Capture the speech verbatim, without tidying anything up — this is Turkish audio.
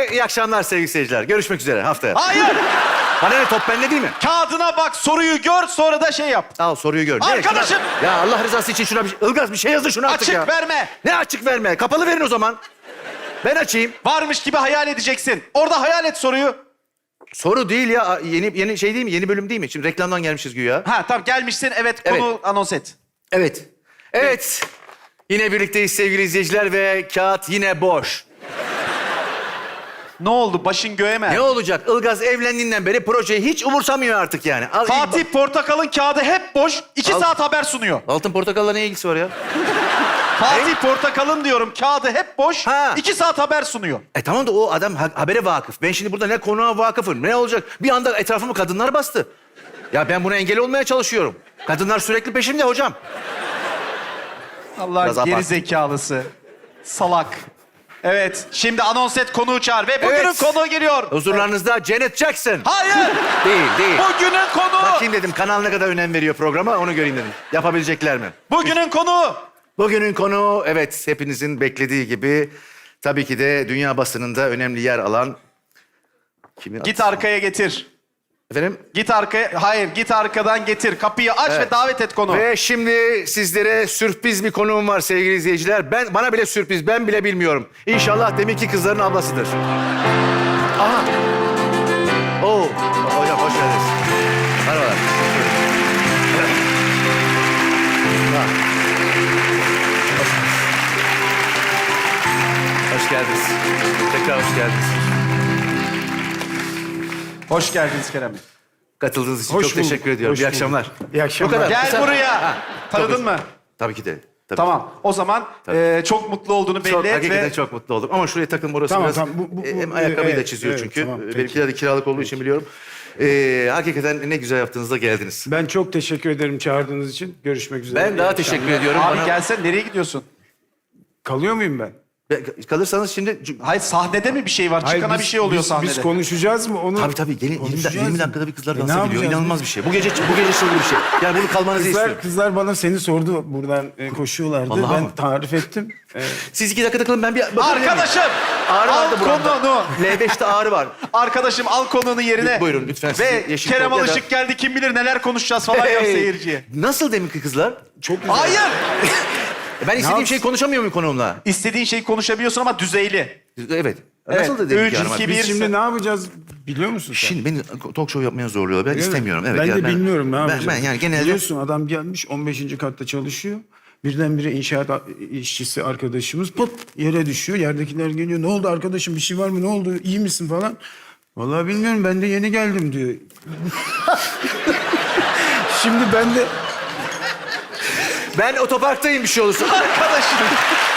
ve iyi akşamlar sevgili seyirciler. Görüşmek üzere haftaya. Hayır. Bana ne, top bende değil mi? Kağıdına bak, soruyu gör, sonra da şey yap. Al soruyu gör. Ne? Arkadaşım! Şuna- Ya Allah rızası için şuna bir... Ilgaz bir şey yazın şuna artık Açık ya. verme. Ne açık verme? Kapalı verin o zaman. Ben açayım. Varmış gibi hayal edeceksin. Orada hayal et soruyu. Soru değil ya. Yeni yeni şey değil mi? Yeni bölüm değil mi? Şimdi reklamdan gelmişiz güya. Ha tamam, gelmişsin. Evet, Evet. konu anons et. Evet. Evet. Yine birlikteyiz sevgili izleyiciler ve kağıt yine boş. Ne oldu? Başın göğe mi? Ne olacak? Ilgaz evlendiğinden beri projeyi hiç umursamıyor artık yani. Al, Fatih Portakal'ın kağıdı hep boş. iki Al. saat haber sunuyor. Altın portakalla ne ilgisi var ya? Fatih Portakal'ın diyorum kağıdı hep boş. Ha. iki saat haber sunuyor. E tamam da o adam ha- habere vakıf. Ben şimdi burada ne konuğa vakıfım, ne olacak? Bir anda etrafımı kadınlar bastı. Ya ben buna engel olmaya çalışıyorum. Kadınlar sürekli peşimde hocam. Biraz Allah'ın abart. geri zekalısı. Salak. Evet, şimdi anons et, konuğu çağır ve bugünün Evet. konuğu geliyor. Huzurlarınızda Janet Jackson. Hayır. Değil, değil. Bugünün konuğu. Bakayım dedim kanal ne kadar önem veriyor programa, onu göreyim dedim. Yapabilecekler mi? Bugünün konuğu. Bugünün konuğu, evet hepinizin beklediği gibi... ...tabii ki de dünya basınında önemli yer alan... Kimin Git adı? arkaya getir. Efendim? Git arkaya, hayır git arkadan getir. Kapıyı aç Evet. ve davet et konuğu. Ve şimdi sizlere sürpriz bir konuğum var sevgili izleyiciler. Ben bana bile sürpriz, ben bile bilmiyorum. İnşallah deminki kızların ablasıdır. Aha. Oo, hocam hoş geldiniz. Merhabalar. Ha. Hoş geldiniz. Tekrar hoş geldiniz. Hoş geldiniz Kerem Bey. Katıldığınız için Hoş çok bulduk, teşekkür ediyorum. hoş İyi bulduk. akşamlar. İyi akşamlar. Bu kadar. Gel Kısa- buraya. Ha, Tanıdın tabii. mı? Tabii ki de. Tabii. Tamam. O zaman e, çok mutlu olduğunu belli Çok, et hakikaten ve... çok mutlu oldum. Ama şuraya takım orası Tamam, biraz... tamam. Bu- bu- bu- e, hem ayakkabıyı da evet, çiziyor evet, çünkü. tamam, peki. Benimkiler de kiralık olduğu için biliyorum. Ee, hakikaten ne güzel yaptığınızda geldiniz. Ben çok teşekkür ederim çağırdığınız için. Görüşmek üzere. Ben daha İyi teşekkür akşamlar. ediyorum. Abi Bana- gelsen nereye gidiyorsun? Kalıyor muyum ben? Ben- Kalırsanız şimdi... Hayır, sahnede mi bir şey var? Hayır, Çıkana biz- bir şey oluyor biz, sahnede. Biz konuşacağız mı onu? Tabii tabii. Gelin yirmi, Konuşacağız yirmi mı? dakikada bir kızlar E, dansa ne gidiyor. yapacağız İnanılmaz biz? bir şey. Bu gece bu gece çılgın bir şey. Yani bunu kalmanızı Kızlar, istiyorum. kızlar bana seni sordu. Buradan e, koşuyorlardı. Vallahi ben mi? tarif ettim. E, Siz iki dakikada kalın, ben bir... bakabilir miyim? Arkadaşım! Ağrı al vardı buramda. konuğunu. L beşte ağrı var. Arkadaşım al konuğunu yerine. Buyurun, lütfen sizi Ve yeşil Kerem kol ya da- Alışık geldi, kim bilir neler konuşacağız falan yap Hey! seyirciye. Nasıl deminki kızlar? çok güzel. Hayır! Ben istediğim yapsın? şeyi konuşamıyor muyum konuğumla? İstediğin şeyi konuşabiliyorsun ama düzeyli. Evet. Evet, Nasıl da deminki üç, hanıma? iki, Biz bir- şimdi ne yapacağız biliyor musun sen? Şimdi beni talk show yapmaya zorluyorlar. Ben Öyle mi? istemiyorum. Evet. ben ya de bilmiyorum ne ben, yapacağız. Ben yani genelde... Biliyorsun adam gelmiş on beşinci katta çalışıyor. Birdenbire inşaat a- işçisi arkadaşımız pıt yere düşüyor. Yerdekiler geliyor. Ne oldu arkadaşım, bir şey var mı, ne oldu, iyi misin falan. Vallahi bilmiyorum, ben de yeni geldim diyor. Şimdi ben de Ben otoparktayım bir şey olursa. Arkadaşım.